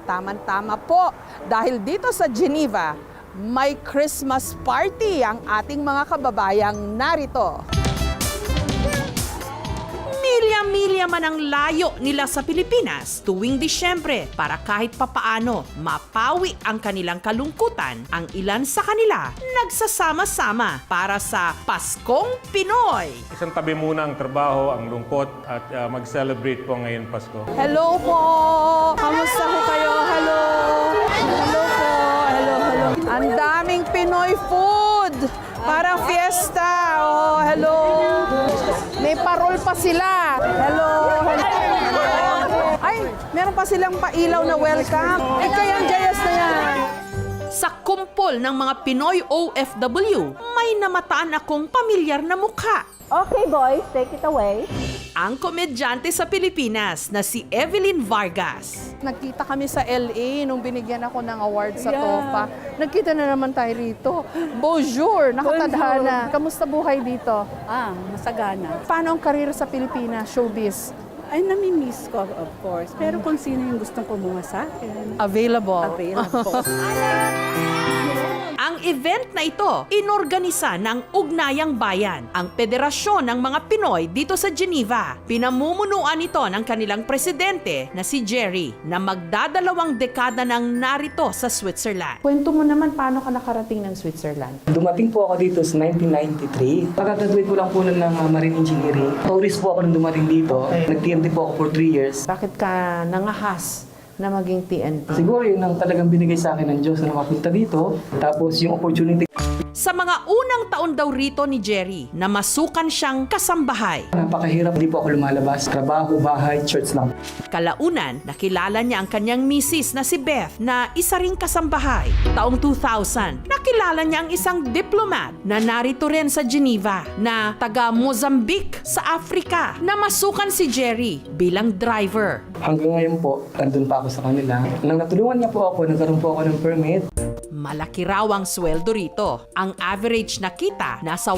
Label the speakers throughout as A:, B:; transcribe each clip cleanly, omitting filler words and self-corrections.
A: Tama-tama po, dahil dito sa Geneva, may Christmas party ang ating mga kababayang narito. Milya-milya man ang layo nila sa Pilipinas tuwing Disyembre para kahit papaano mapawi ang kanilang kalungkutan, ang ilan sa kanila nagsasama-sama para sa Paskong Pinoy.
B: Isang tabi muna ang trabaho, ang lungkot at mag-celebrate po ngayon Pasko.
A: Hello po! Kamusta po kayo? Hello! Hello po! Hello, hello. Ang daming Pinoy food! Parang fiesta! Oh, hello! May parol pa sila! Hello! Hello! Ay, meron pa silang pailaw na welcome. Eh, kaya ang jayas na yan. Sa kumpol ng mga Pinoy OFW, may namataan akong pamilyar na mukha.
C: Okay, boys, take it away.
A: Ang komedyante sa Pilipinas na si Evelyn Vargas. Nagkita kami sa LA nung binigyan ako ng award sa TOPA. Nagkita na naman tayo rito. Bonjour, nakatadhana. Kamusta buhay dito?
C: Masagana.
A: Paano ang karir sa Pilipinas, showbiz?
C: Ay, nami-miss ko, of course. Pero kung sino yung gustong kumuha sa akin,
A: Available.
C: available.
A: Ang event na ito, inorganisa ng Ugnayang Bayan, ang federasyon ng mga Pinoy dito sa Geneva. Pinamumunuan ito ng kanilang presidente na si Jerry, na magdadalawang dekada nang narito sa Switzerland. Kwento mo naman paano ka nakarating ng Switzerland.
D: Dumating po ako dito sa 1993. Pagka-graduate ko lang po ng Marine Engineering. Tourist po ako nung dumating dito. Nag-TNT po ako for 3 years.
A: Bakit ka nangahas na maging TNT?
D: Siguro yun ang talagang binigay sa akin ng Diyos na makapunta dito. Tapos yung opportunity.
A: Sa mga unang taon daw rito ni Jerry, na masukan siyang kasambahay.
D: Napakahirap, hindi po ako lumalabas. Trabaho, bahay, church lang.
A: Kalaunan, nakilala niya ang kanyang misis na si Beth na isa ring kasambahay. Taong 2000, nakilala niya ang isang diplomat na narito rin sa Geneva na taga Mozambique sa Africa na masukan si Jerry bilang driver.
D: Hanggang ngayon po, nandun pa ako sa kanila. Nang natulungan niya po ako, nagkaroon po ako ng permit.
A: Malaki raw ang sweldo rito. Ang average na kita nasa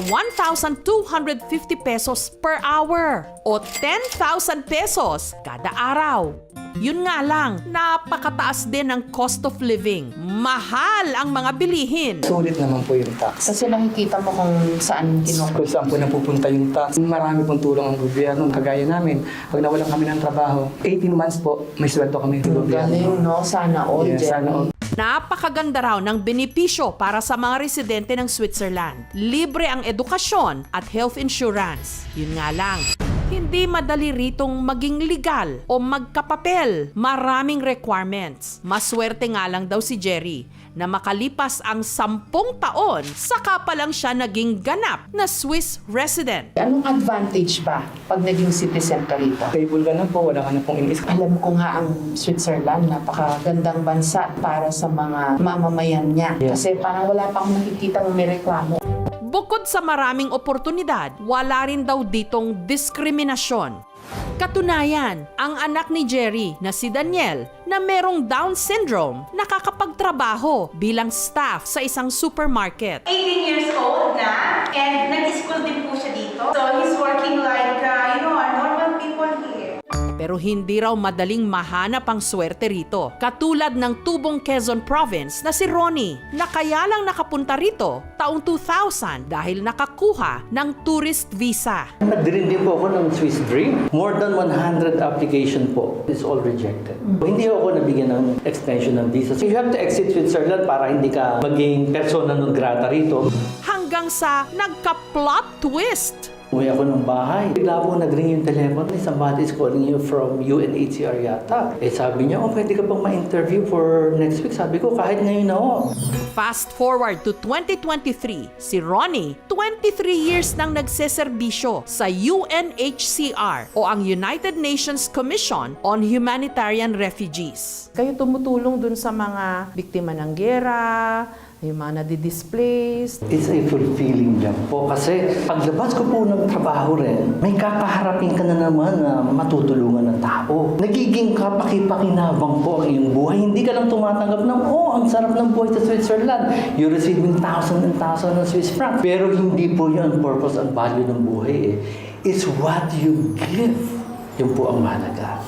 A: 1,250 pesos per hour o 10,000 pesos kada araw. Yun nga lang, napakataas din ang cost of living. Mahal ang mga bilihin.
D: Sulit naman po yung tax.
E: Kasi nakikita mo kung saan
D: Kung saan po napupunta yung tax. Marami pong tulong ang gobyerno. Kagaya namin, pag nawalan kami ng trabaho, 18 months po, may sweldo kami ng gobyerno.
E: Galing, no? Sana all,
D: Yes, sana all.
A: Napakaganda raw ng benepisyo para sa mga residente ng Switzerland. Libre ang edukasyon at health insurance. Yun nga lang, hindi madali ritong maging legal o magkapapel. Maraming requirements. Maswerte nga lang daw si Jerry na makalipas ang 10 taon, saka pa lang siya naging ganap na Swiss resident.
E: Anong advantage ba pag naging citizen ka rito?
D: Stable ka na po, wala ka na pong inis.
E: Alam ko nga ang Switzerland, napakagandang bansa para sa mga mamamayan niya. Kasi parang wala pa akong nakikita ng may reklamo.
A: Bukod sa maraming oportunidad, wala rin daw ditong diskriminasyon. Katunayan, ang anak ni Jerry na si Daniel na merong Down syndrome nakakapagtrabaho bilang staff sa isang supermarket.
F: 18 years old na, and nag-school din po siya dito. So he's working like, normal people here.
A: Pero hindi raw madaling mahanap ang swerte rito. Katulad ng Tubong Quezon Province na si Ronnie, na kaya lang nakapunta rito taong 2000 dahil nakakuha ng tourist visa.
G: Nagdirin din po ako ng Swiss Dream. More than 100 application po is all rejected. Hindi ako nabigyan ng extension ng visa. So you have to exit Switzerland para hindi ka maging persona non grata rito.
A: Hanggang sa nagka-plot twist.
G: Uwi ako ng bahay. Bigla po nag-ring yung telephone. Somebody is calling you from UNHCR yata. Sabi niya, pwede ka bang ma-interview for next week? Sabi ko, kahit ngayon na ako.
A: Fast forward to 2023, si Ronnie, 23 years nang nagseserbisyo sa UNHCR o ang United Nations Commission on Humanitarian Refugees. Kayo tumutulong dun sa mga biktima ng giyera, yung mga nadi-displaced.
G: It's a fulfilling job po kasi paglabas ko po ng trabaho rin, may kakaharapin ka na naman na matutulungan ng tao. Nagiging kapaki-pakinabang po ang iyong buhay. Hindi ka lang tumatanggap ng, ang sarap ng buhay sa Switzerland. You're receiving thousands and thousands of Swiss francs. Pero hindi po yun ang purpose and value ng buhay. It's what you give. Yun po ang mahalaga.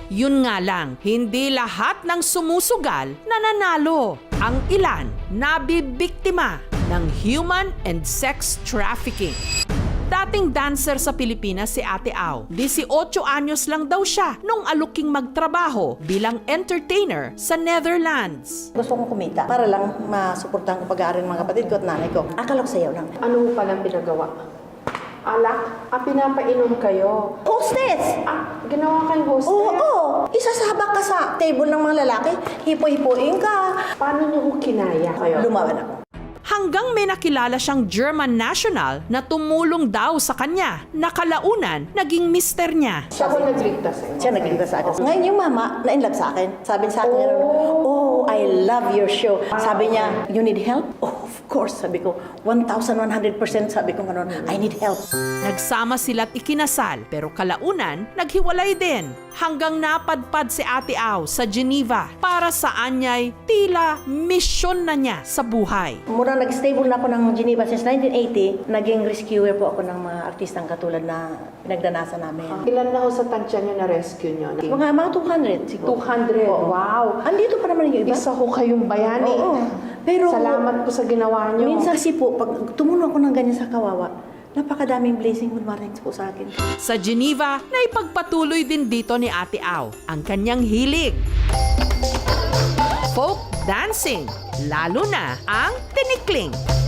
A: Yun nga lang, hindi lahat ng sumusugal nananalo. Ang ilan nabibiktima ng human and sex trafficking. Dating dancer sa Pilipinas si Ate Au. 18 anyos lang daw siya nung aluking magtrabaho bilang entertainer sa Netherlands.
H: Gusto kong kumita para lang masuportahan ko pag-aaral ng mga kapatid ko at nanay ko. Akala ko sayaw lang.
E: Ano pa lang pinagawa? Alak? Pinapainom kayo?
H: Hostess!
E: Ginawa kayong hostess?
H: Oo! Isasabak ka sa table ng mga lalaki, hipo-hipoin ka.
E: Paano niyo ho kinaya kayo?
H: Lumaban ako.
A: Hanggang may nakilala siyang German national na tumulong daw sa kanya na kalaunan naging mister niya.
E: Siya ko nagligtas sa'yo.
H: Siya nagligtas sa akin. Ngayon yung mama, na-inlove sa akin. Sabi sa akin, oh, I love your show. Sabi niya, you need help? Oh, of course. Sabi ko, 1,100% sabi ko gano'n, I need help.
A: Nagsama sila't ikinasal pero kalaunan naghiwalay din hanggang napadpad si Ate Au sa Geneva para sa anyay tila misyon na niya sa buhay.
H: Mura nag-stable na ako ng Geneva since 1980, naging rescuer po ako ng mga artistang katulad na pinagdanasan namin.
E: Ilan na ho sa tansya niyo na rescue niyo?
H: Mga 200 siguro.
E: 200?
H: Oo.
E: Wow!
H: Andito pa naman yung iba.
E: Isa ho kayong bayani.
H: Oo. Pero
E: Salamat po sa ginawa niyo.
H: minsan kasi po, pag tumulong ako ng ganyan sa kawawa, napakadaming blessing good mornings po sa akin.
A: Sa Geneva, naipagpatuloy din dito ni Ate Au ang kanyang hilig. Folk dancing, lalo na ang tinikling.